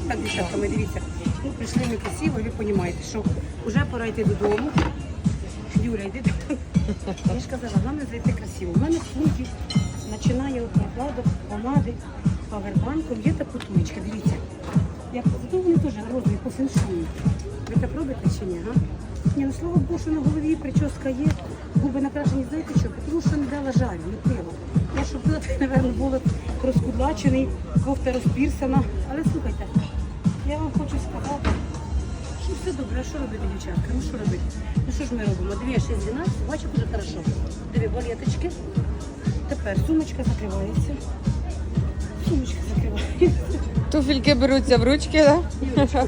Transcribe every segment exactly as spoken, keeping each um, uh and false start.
Так, дівчатка, ми дивіться, ну, прийшли ми красиво, ви розумієте, що вже пора йти додому. Юля, йди додому. Я ж казала, головне зайти красиво. У мене сумки починає от накладок, помади, павербанком, є та потулечка, дивіться. Як, зато вони теж розові по феншую. Ви так робите чи ні, га? Ні, ну слава Богу, що на голові прическа є, губи накрашені, знаєте що? Тому що не дала жарю, не пила. Я щоб пила, то, мабуть, було розкудлачений, кофта розпірсана. Але слухайте, я вам хочу сказати, що все добре, а що робити, дівчатка? Ну що робити? Ну що ж ми робимо? Дві, шість, дванадцять, бачу, дуже хорошо. Дві балеточки. Тепер сумочка закривається. Сумочка закривається. Туфельки беруться в ручки, так? Юлечка.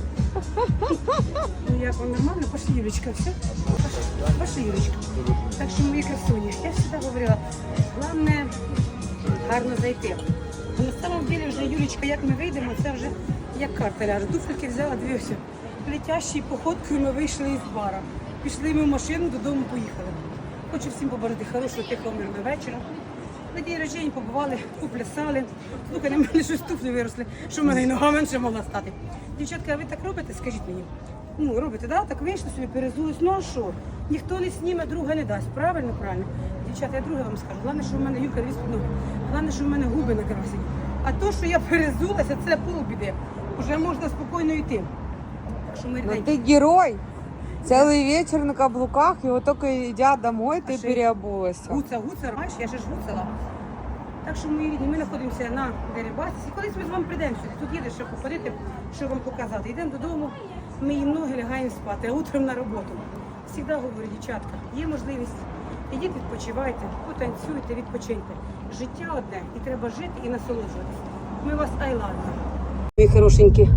Ну як вам нормально? Пошли, Юлечка, все? Пошли, пошли, Юлечка. Так що мої красуні, я завжди говорила, головне гарно зайти. А на самом деле вже, Юлечка, як ми вийдемо, це вже як карта ляже. Туфельки взяла, дивився. Летящою походкою ми вийшли із бара. Пішли ми в машину, додому поїхали. Хочу всім побажати хорошого, тихого, мирного вечора. На день рождення побували, поплясали. Слухай, на мене щось туфлі виросли, що в мене і нога менше могла стати. Дівчатка, а ви так робите? Скажіть мені. Ну, робите, да? Так вийшли собі, перезулись. Ну а що? Ніхто не сніме, друга не дасть. Правильно, правильно? Дівчата, я друге вам скажу. Головне, що в мене Юлька дві ноги. Головне, що в мене губи накрасені. А то, що я перезулася, це полбіди. Уже можна спокійно йти. Так що ми Ну ты герой. Целый вечер на каблуках, и вот только идя домой, ты А ще- переобулась. Гуца, гуца, знаєш, я ще ж гуцала. Так що, мої рідні, ми знаходимося на Дерибасі. Колись ми з вами прийдемо сюди. Тут їде, щоб походити, що вам показати. Йдемо додому, ми їм ноги лягаємо спати, а утром на роботу. Завжди говорю, дівчатка, є можливість. Ідіть, відпочивайте, потанцюйте, відпочиньте. Життя одне, і треба жити і насолоджуватися. Ми вас I love you. Мої хорошенькі,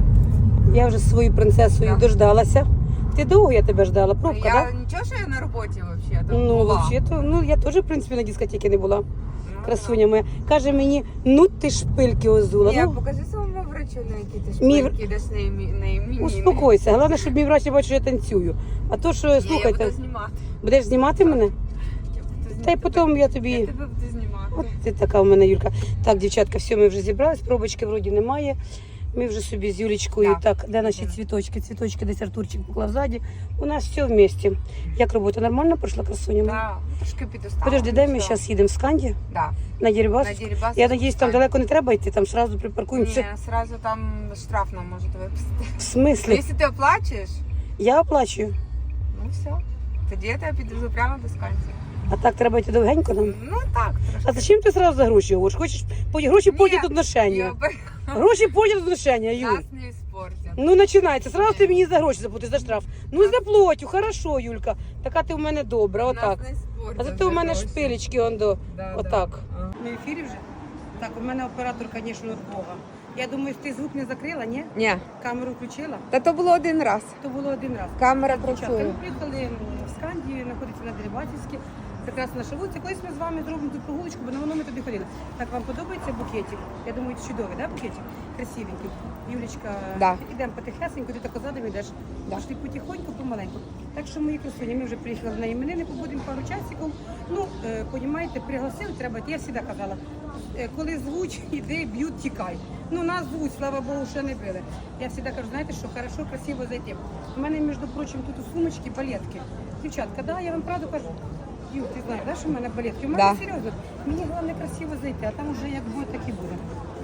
я вже свою принцесою Да. дождалася. Ти довго я тебе ждала, пробка, Я так? Да? ничего, что я на работе вообще там Ну, была. взагалі-то, ну я теж, в принципі, на дискотеці не була. Красуня моя. Каже мені, ну ти шпильки озула. Я Ну, покажи своему врачу на какие-то Мій- шпильки, дашь на, ими, на именины. успокойся. Головне, щоб мій врач не бачив, що я танцюю. А то, що, Я слухайте, буду знімати. будеш знімати мене? Я буду знімати. Та й потім я тобі... Я тебе буду знімати. От ти така у мене, Юлька. Так, дівчатка, все, ми вже зібрались, пробочки вроді немає. Ми вже собі з Юлічкою, Так. так, де наші Мгм. цвіточки, цвіточки, десь Артурчик поклав ззаді. У нас все вместе. Як робота нормально пройшла, красуня? Да, трошки підустала. Подожди, де ми Всё. зараз їдемо? В Сканді? Да. На Дерибас? На Дерибас. Я надіюсь, там далеко не треба йти, там сразу припаркуємося. Не, сразу там штраф нам может выписать. В смислі? Если ты оплачиваешь, Я оплачую. ну все. Тоді я тебе підвезу прямо до Сканції. А так треба йти довгенько нам. Ну так, А трошки. зачем ти сразу за гроші говориш? Хочеш по- гроші Ні, потім отношення. Юба, Гроші потім отношення, Юль. нас не испортят. Ну починається. Сразу ти мені за гроші заплатиш за штраф. Ну заплатю, хорошо, Юлька. Така ти в мене добра, отак. Нас не испортят А зато у мене за гроші. шпилечки он до. Да, Отак. да. На ефірі вже? Так, у мене оператор, звісно, від Бога. Я думаю, ти звук не закрила, ні? Ні, Камеру включила? та то було один раз. То було один раз. Камера Дівчатка, працює. ми приїхали м, в Скандію, знаходиться на Дерибасівській. Прекрасна наша вулиця. Колись ми з вами зробимо тут прогулочку, бо на воно ми туди ходили. Так, вам подобається букетик? Я думаю, чудовий, да, букетик? Красивенький. Юлічка, Да. ідемо потихесеньку, ти так задом йдеш. Да. Пішли потихоньку, помаленьку. Так що, мої красуні, ми вже приїхали на іменини, побудемо пару часиків. Ну, е, понімаєте, пригласили, треба, я завжди казала, е, коли звуть, іди, б'ють, тікай. Ну, нас звуть, слава Богу, ще не били. Я завжди кажу, знаєте, що хорошо, красиво зайти. У мене, між прочим, тут у сумочці балетки. Дівчатка, да, я вам правду кажу. Юр, ти знаєш, да, що в мене балетки? У мене Да. серйозно. Мені головне красиво зайти, а там вже як буде, так і буде.